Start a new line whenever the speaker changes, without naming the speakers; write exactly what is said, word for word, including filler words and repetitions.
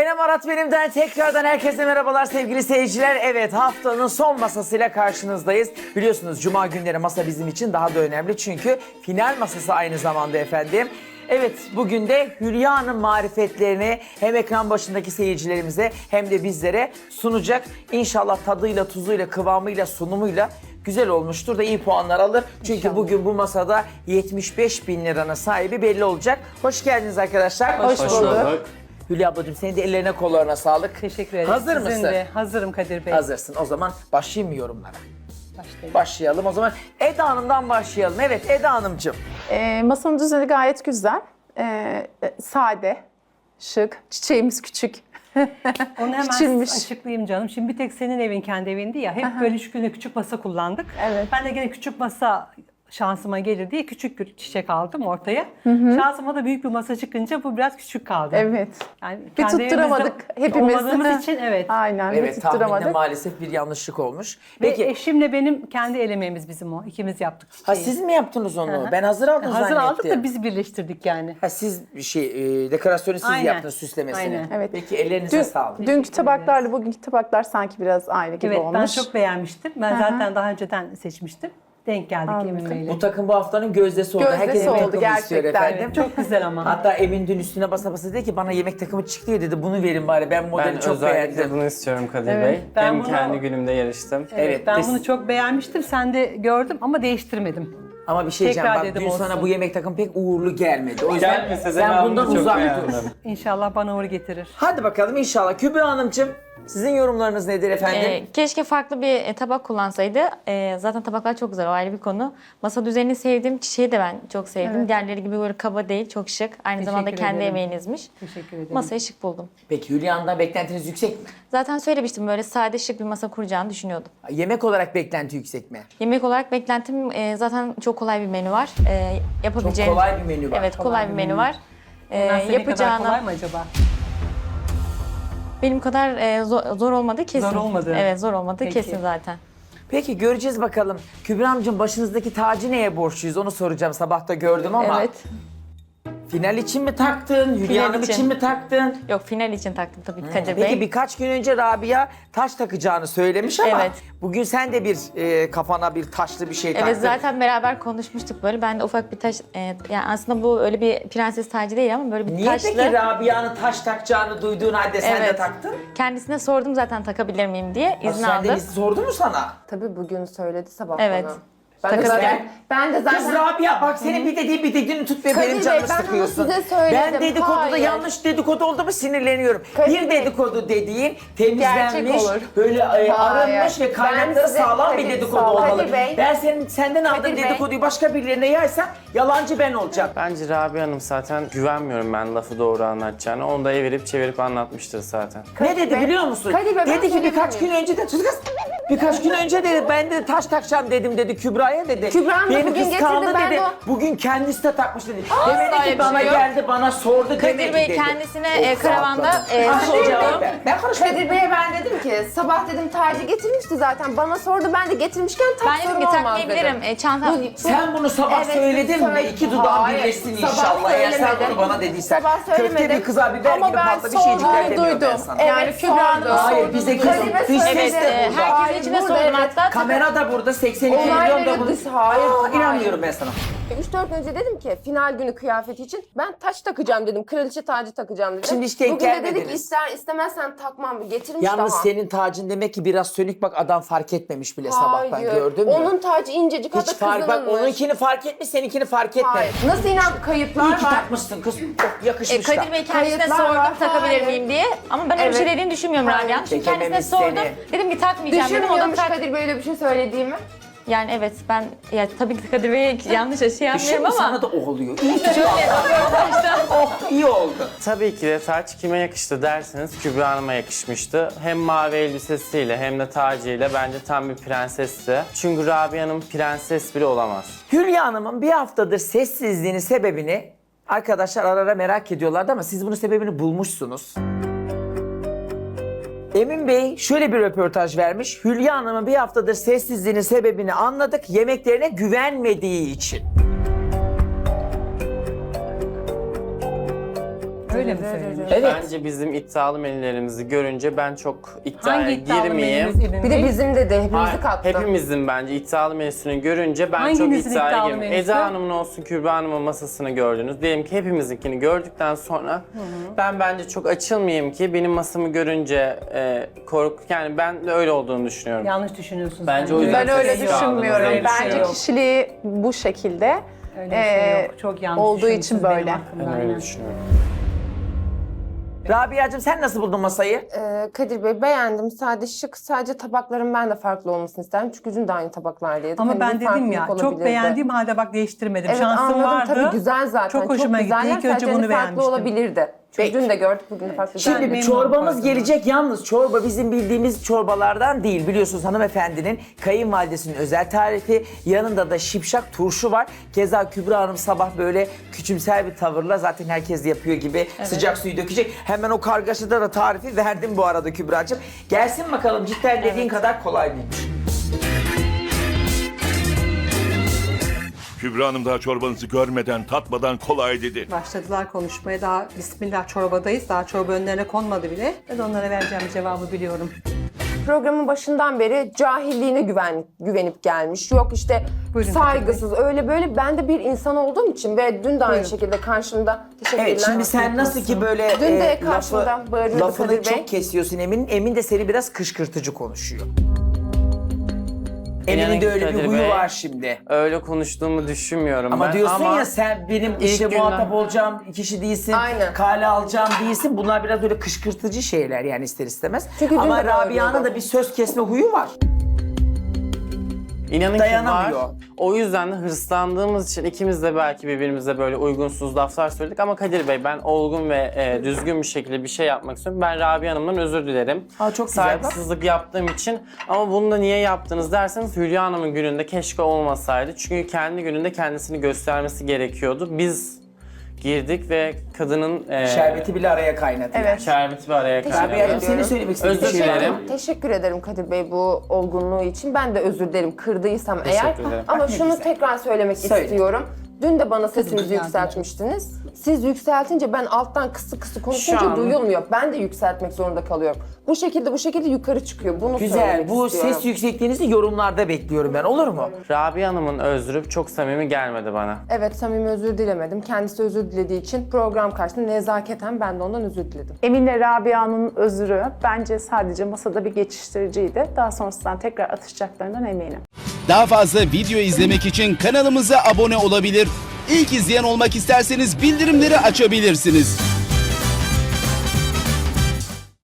Senem Arat benimden tekrardan herkese merhabalar sevgili seyirciler. Evet, haftanın son masasıyla karşınızdayız. Biliyorsunuz cuma günleri masa bizim için daha da önemli çünkü final masası aynı zamanda efendim. Evet, bugün de Hülya'nın marifetlerini hem ekran başındaki seyircilerimize hem de bizlere sunacak. İnşallah tadıyla, tuzuyla, kıvamıyla, sunumuyla güzel olmuştur da iyi puanlar alır. Çünkü İnşallah. Bugün bu masada yetmiş beş bin liranın sahibi belli olacak. Hoş geldiniz arkadaşlar.
Hoş, Hoş bulduk. bulduk.
Hülya ablacığım, senin de ellerine kollarına sağlık.
Teşekkür ederim.
Hazır
Sizin
mısın?
de. Hazırım Kadir Bey.
Hazırsın. O zaman başlayayım mı yorumlara?
Başlayalım.
Başlayalım. O zaman Eda Hanım'dan başlayalım. Evet Eda Hanımcığım.
Ee, masanın düzeni gayet güzel. Ee, sade, şık, çiçeğimiz küçük.
Onu hemen
Küçülmüş.
açıklayayım canım. Şimdi bir tek senin evin kendi evindi ya. Hep böyle şükürle küçük masa kullandık.
Evet.
Ben de gene küçük masa şansıma gelir diye küçük bir çiçek aldım ortaya. Şansıma da büyük bir masa çıkınca bu biraz küçük kaldı.
Evet.
Yani
Bir
kendi
tutturamadık
evimizde
hepimiz.
olmadığımız için evet.
Aynen, bir
Evet, tahminde
tutturamadık.
maalesef bir yanlışlık olmuş.
Ve
Peki,
eşimle benim kendi el emeğimiz bizim o. İkimiz yaptık.
ha
çiçeği.
siz mi yaptınız onu?
Hı hı.
Ben hazır aldım
Hazır
zannettim.
aldık da biz birleştirdik yani.
Ha siz bir şey, e, dekorasyonu siz
Aynen.
yaptınız, süslemesini.
Aynen.
Evet.
Peki ellerinize
Dün,
sağlık.
dünkü tabaklarla bugünkü tabaklar sanki biraz aynı gibi
Evet,
olmuş.
ben çok beğenmiştim. Ben zaten daha önceden seçmiştim. Denk geldik
Anladım.
Emin Bey'le.
Bu takım bu haftanın gözdesi oldu.
Gözdesi
Herkes yemek
oldu
takımı istiyor
gerçekten.
efendim.
Çok güzel ama.
Hatta Emin dün üstüne basa basa dedi ki bana yemek takımı çıktı ya dedi, bunu verin bari, ben modeli
Ben
çok
özellikle
beğendim.
bunu istiyorum Kadir
Evet.
Bey.
Ben
Hem
bunu-
kendi günümde yarıştım.
Evet,
Ben
biz-
bunu çok beğenmiştim. Sen de gördüm ama değiştirmedim.
Ama bir şey diyeceğim,
Tekrar
bak
dedim
dün sana
olsun.
bu yemek takımı pek uğurlu gelmedi. O yüzden
Gelmese de
sen
ben
bundan
bunu çok
uzak
beğendim.
dur.
İnşallah bana uğur getirir.
Hadi bakalım inşallah. Kübra Hanımcığım, sizin yorumlarınız nedir efendim?
Ee, keşke farklı bir e, tabak kullansaydı. Ee, zaten tabaklar çok güzel, o ayrı bir konu. Masa düzenini sevdim, çiçeği de ben çok sevdim.
Evet.
Diğerleri gibi böyle kaba değil, çok şık. Aynı
Teşekkür
zamanda kendi
ederim.
emeğinizmiş.
Teşekkür ederim.
Masayı şık buldum.
Peki Hülya'ndan beklentiniz yüksek mi?
Zaten söylemiştim, böyle sade şık bir masa kuracağını düşünüyordum.
Yemek olarak beklenti yüksek mi?
Yemek olarak beklentim e, zaten çok kolay bir menü var. E,
Çok
yapabileceğim.
kolay bir menü var.
Evet, kolay, bir menü var. E,
Nasıl, ne kadar kolay
yapacağına
mı acaba?
benim kadar e, zor, zor olmadı kesin.
Zor olmadı.
Evet, zor olmadı
Peki.
kesin zaten.
Peki göreceğiz bakalım. Kübra'mcığım, başınızdaki tacı neye borçluyuz onu soracağım. Sabah da gördüm ama.
Evet.
Final için mi taktın? Hülya Hanım için.
için.
mi taktın?
Yok, final için taktım tabii ki Kadir
Peki
Bey.
birkaç gün önce Rabia taş takacağını söylemiş ama
Evet.
bugün sen de bir e, kafana bir taşlı bir şey taktın.
Evet, zaten beraber konuşmuştuk böyle. Ben de ufak bir taş, e, yani aslında bu öyle bir prenses tacı değil ama böyle bir
Niye
taşlı.
peki Rabia'nın taş takacağını duyduğun halde sen de
Evet.
taktın?
Kendisine sordum zaten takabilir miyim diye, izin
Sen de
aldım.
izin sordu mu sana?
Tabii bugün söyledi sabah
Evet.
bana. Ben de,
Takılabilir.
zaten, ben de zaten
Kız Rabia bak, senin bir dediğin bir dediğini tut ve
Kadir
benim
Bey,
canımı
ben onu
sıkıyorsun.
size söyledim.
Ben dedikoduda
Hayır.
yanlış dedikodu oldu mu sinirleniyorum.
Kadir
bir
Bey.
dedikodu dediğin temizlenmiş,
Gerçek olur.
böyle e,
Hayır.
arınmış ve kaynakları
Ben size-
sağlam bir
Kadir-
dedikodu
sağ ol.
olmalı.
Kadir Bey.
Ben senin senden aldığım
Kadir Bey.
dedikoduyu başka birilerine yaysam yalancı ben olacağım.
Bence Rabia Hanım zaten güvenmiyorum ben lafı doğru anlatacağını. Onu da evirip çevirip anlatmıştır zaten.
Ne dedi
Bey.
biliyor musun?
Kadir Bey, ben
dedi ki
söyleyebilir
birkaç gün
miyim?
önce de sus kız. Birkaç gün önce dedi ben de taş takacağım dedim dedi Kübra'ya dedi.
Kübra Hanım
Beni
bugün
kıskandı
getirdi, ben
dedi.
de o-
Bugün kendisi de takmış dedi.
Asla
Demedi
öyle
ki
bir
bana
şey yok.
geldi bana sordu demedi
Kadir Bey
dedi.
kendisine e,
Of,
karavanda
rahatladım.
e,
Ha,
sordum.
cevap ver. Ben konuşmadım.
Kadir Bey'e ben dedim ki sabah dedim tacı getirmişti zaten bana sordu ben de getirmişken tak
Ben dedim
sorun
ki
olmaz
takmayabilirim.
dedim.
E, çanta...
Bu-
Sen bunu sabah
Evet,
söyledin mi?
söyle-
İki dudağın
Hayır,
birleşsin
sabah
inşallah. Eğer sen
söylemedim.
bunu bana dediysen.
Sabah söylemedim.
Köfte bir kıza biber
Ama
gibi
ben
patlı bir şeycikler
sorduğunu
demiyorum ben
duydum.
sana.
Evet,
Yani Kübra Hanım'ın
sordu.
Hayır bize kızım.
Kadir Bey
Dış
söyledi.
ses de
Evet, e,
burada.
herkesin
Hayır,
içine
burada,
sordum
evet.
hatta.
Kamera da burada seksen iki
Olayları
milyon da bunu.
dış- hayır,
Aa,
hayır.
İnanmıyorum ben sana.
üç dört önce dedim ki final günü kıyafeti için ben taç takacağım dedim. Kraliçe tacı takacağım dedim.
Şimdi işte
Bugün de dedi ki
gelmediniz.
ister istemezsen takmam getirmiş
Yalnız
daha.
senin tacın demek ki biraz sönük, bak adam fark etmemiş bile sabah ben
Hayır.
gördüm mü?
Onun tacı incecik
Hiç
hatta
fark, bak
kızılınmış.
onunkini fark etmiş, seninkini fark etmemiş.
Hayır. Nasıl inan kayıtlar
İyi ki
var.
takmışsın kız. Oh,
E,
yakışmış da.
Kadir Bey kendisine
Kayıtlar
sordum
var,
takabilir
hayır.
miyim diye. Ama ben öyle bir şey
Evet.
dediğini düşünmüyorum
Hayır.
Rabia. Çünkü kendisine
Çekememiş
sordum.
seni.
Dedim ki takmayacağım dedim. O da
Düşünmüyormuş
tak.
Kadir böyle bir şey söylediğimi.
Yani evet, ben ya tabii ki Kadir Bey'e yanlış şey yapmıyorum
Şimdi
ama.
sana da o oluyor. İyi ki oh iyi oldu.
Tabii ki de taç kime yakıştı derseniz Kübra Hanım'a yakışmıştı. Hem mavi elbisesiyle hem de tacıyla bence tam bir prensesti. Çünkü Rabia Hanım prenses bile olamaz.
Hülya Hanım'ın bir haftadır sessizliğinin sebebini arkadaşlar ara ara merak ediyorlardı ama siz bunun sebebini bulmuşsunuz. Emin Bey şöyle bir röportaj vermiş. Hülya Hanım'ın bir haftadır sessizliğinin sebebini anladık. Yemeklerine güvenmediği için.
Öyle Öyle mi söylemiş?
Evet.
Bence bizim iddialı menülerimizi görünce ben çok iddiaya
Hangi iddialı
girmeyeyim.
menümüz Emin
Bir de
Bey?
bizim de de hepimizi
Hayır,
kattı.
hepimizin bence iddialı menüsünü görünce ben
Hanginizin
çok iddiaya
iddialı
girmeyeyim.
menüsü?
Eda Hanım'ın olsun, Kübra Hanım'ın masasını gördünüz. Diyelim ki hepimizinkini gördükten sonra ben bence çok açılmayayım ki benim masamı görünce e, korku, yani ben de öyle olduğunu düşünüyorum.
Yanlış düşünüyorsunuz.
Bence o yüzden
Ben öyle
sessiz kaldınız.
düşünmüyorum.
Öyle bir şey
Bence
yok.
kişiliği bu şekilde
Öyle bir şey
e,
yok. Çok yanlış
olduğu için
düşünmüşsünüz benim
böyle.
hakkımda,
Ben öyle
aynen.
düşünüyorum.
Rabia'cığım sen nasıl buldun masayı?
Ee, Kadir Bey beğendim. Sade şık. Sadece tabakların ben de farklı olmasını isterim. Çünkü dün de aynı tabaklar yedik.
Ama
Hani
ben
bir
dedim ya
farklılık
çok
olabilirdi.
beğendiğim halde bak değiştirmedim.
Evet
Şansım
anladım.
vardı.
Tabii güzel zaten.
Çok hoşuma gitti.
güzeller.
İlk önce
Sadece
bunu
hani farklı
beğenmiştim.
olabilirdi. Çünkü dün de gördük, bugün de farklı.
Şimdi
Güzeldi.
bir
memnunum
çorbamız
pardon.
gelecek. Yalnız çorba bizim bildiğimiz çorbalardan değil. Biliyorsunuz hanımefendinin kayınvalidesinin özel tarifi. Yanında da şipşak turşu var. Keza Kübra Hanım sabah böyle küçümser bir tavırla zaten herkes yapıyor gibi sıcak suyu dökecek. Hemen o kargaşada da tarifi verdim bu arada Kübra'cığım. Gelsin bakalım cidden dediğin kadar kolay mıymış?
Kübra Hanım daha çorbanızı görmeden, tatmadan kolay dedi.
Başladılar konuşmaya. Daha bismillah çorbadayız. Daha çorba önlerine konmadı bile. Ben de onlara vereceğim cevabı biliyorum.
Programın başından beri cahilliğine güven, güvenip gelmiş. Yok işte
Buyurun
saygısız öyle böyle. Ben de bir insan olduğum için ve dün de aynı
Buyurun.
şekilde karşımda teşekkürler.
Evet şimdi sen nasıl ki böyle
Dün de
e,
karşımdan
lafı,
bağırıyordu
lafını
Kadir Bey.
çok kesiyorsun Emin. Emin de seni biraz kışkırtıcı konuşuyor.
İnanın
Emin'in de
ki
öyle bir
Kadir
huyu
Bey,
var şimdi.
Öyle konuştuğumu düşünmüyorum
Ama
ben.
diyorsun
ama
ya sen benim işte
günden-
muhatap olacağım kişi değilsin,
Aynen.
kale alacağım değilsin. Bunlar biraz böyle kışkırtıcı şeyler yani ister istemez.
Çünkü dün
Ama
de
Rabia'nın
bağırıyordu.
da bir söz kesme huyu var.
İnanın ki
Dayanamıyor.
var. O yüzden de hırslandığımız için ikimiz de belki birbirimize böyle uygunsuz laflar söyledik. Ama Kadir Bey ben olgun ve e, düzgün bir şekilde bir şey yapmak istiyorum. Ben Rabia Hanım'dan özür dilerim.
Aa, çok güzel, bak.
Saygısızlık yaptığım için. Ama bunu da niye yaptınız derseniz Hülya Hanım'ın gününde keşke olmasaydı. Çünkü kendi gününde kendisini göstermesi gerekiyordu. Biz girdik ve kadının e,
Şerbeti bile araya kaynadı.
Evet.
şerbeti bir araya
Teşekkür
Rabia'cığım
kaynadı.
senin söylemek istediğin
Özür
bir şey var mı?
dilerim.
Teşekkür ederim Kadir Bey bu olgunluğu için. Ben de özür dilerim kırdıysam eğer.
Teşekkür ederim.
Ama
Bak ne
şunu
güzel.
tekrar söylemek
Söyle.
istiyorum. Dün de bana sesinizi yükseltmiştiniz. Siz yükseltince ben alttan kısı kısı konuşunca
Şu an-
duyulmuyor. Ben de yükseltmek zorunda kalıyorum. Bu şekilde bu şekilde yukarı çıkıyor. Bunu
Güzel.
söylemek
Bu
istiyorum.
ses yüksekliğinizi yorumlarda bekliyorum ben. Olur mu?
Rabia Hanım'ın özrü çok samimi gelmedi bana.
Evet samimi özür dilemedim. Kendisi özür dilediği için program karşısında nezaketen ben de ondan özür diledim.
Emin'le Rabia'nın özrü bence sadece masada bir geçiştiriciydi. Daha sonrasında tekrar atışacaklarından eminim.
Daha fazla video izlemek için kanalımıza abone olabilir. İlk izleyen olmak isterseniz bildirimleri açabilirsiniz.